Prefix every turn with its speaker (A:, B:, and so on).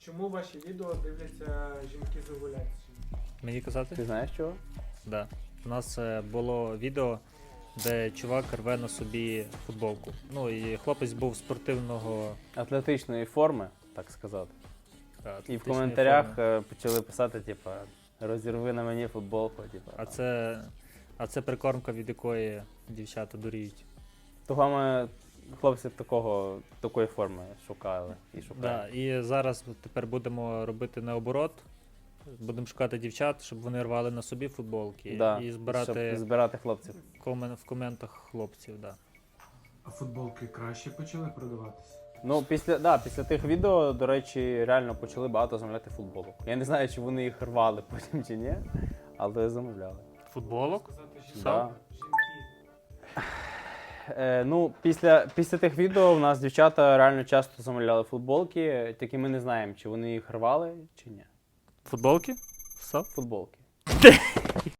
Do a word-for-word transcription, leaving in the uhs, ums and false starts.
A: Чому ваші відео дивляться жінки з овуляцією?
B: Мені казати?
C: Ти знаєш чого?
B: Да. У нас е, було відео, де чувак рве на собі футболку. Ну і хлопець був спортивного.
C: Атлетичної форми, так сказати.
B: та,
C: І в
B: атлетичної
C: коментарях
B: форми.
C: е, почали писати, типа, розірви на мені футболку, типа.
B: А це, а це прикормка, від якої дівчата дуріють.
C: Того ми хлопці такого, такої форми шукали і
B: Да,
C: шукають.
B: і зараз тепер будемо робити наоборот. Будемо шукати дівчат, щоб вони рвали на собі футболки
C: Да,
B: і збирати
C: щоб збирати хлопців.
B: комен, в коментах хлопців. Да.
A: А футболки краще почали продаватися?
C: Ну, після, да, після тих відео, до речі, реально почали багато замовляти футболок. Я не знаю, чи вони їх рвали потім чи ні, але замовляли.
B: Футболок?
A: Сказати, що
C: Да.
A: жінки.
C: Е, ну, після, після тих відео в нас дівчата реально часто замовляли футболки, тільки ми не знаємо, чи вони їх рвали, чи ні.
B: Футболки? Стоп.
C: Футболки.